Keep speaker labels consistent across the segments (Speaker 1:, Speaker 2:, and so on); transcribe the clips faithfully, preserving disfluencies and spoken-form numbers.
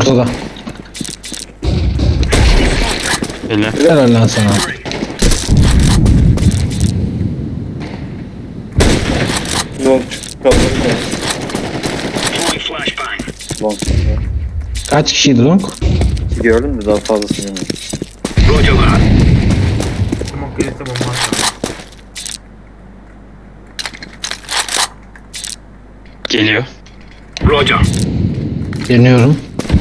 Speaker 1: Ortada.
Speaker 2: Hele.
Speaker 1: Helal lan sana.
Speaker 3: Long çıktı. Kaldı. Long.
Speaker 1: Kaç kişiydi long?
Speaker 3: Gördün de daha fazlasını bilmiyorum.
Speaker 4: Smoke gelirse bomba atar.
Speaker 2: Geliyor.
Speaker 1: Deniyorum.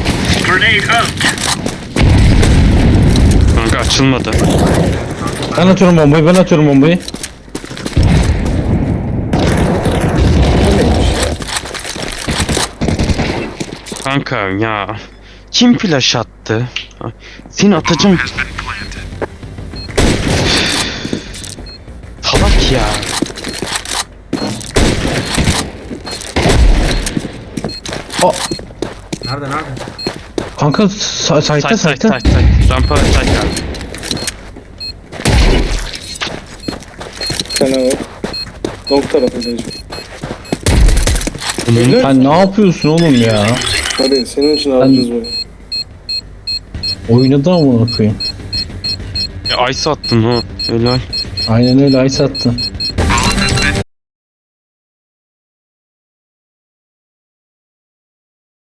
Speaker 2: Kanka açılmadı.
Speaker 1: Ben atıyorum bombayı, ben atıyorum bombayı.
Speaker 2: Kanka ya. Kim flash attı? Seni atacağım. Salak ya.
Speaker 1: O
Speaker 4: Nerede nerede?
Speaker 1: kanka sa-
Speaker 2: Side
Speaker 1: site'ta
Speaker 2: side
Speaker 1: site'ta.
Speaker 2: side side. Rampa side geldi.
Speaker 3: Bir tane var. Long tarafındayız.
Speaker 2: Bunun
Speaker 1: Sen ne yapıyorsun oğlum ya?
Speaker 3: Hadi senin için alacağız böyle.
Speaker 1: Oynadı amına koyayım.
Speaker 2: ice attın ha. Helal.
Speaker 1: Aynen öyle, ay sattı.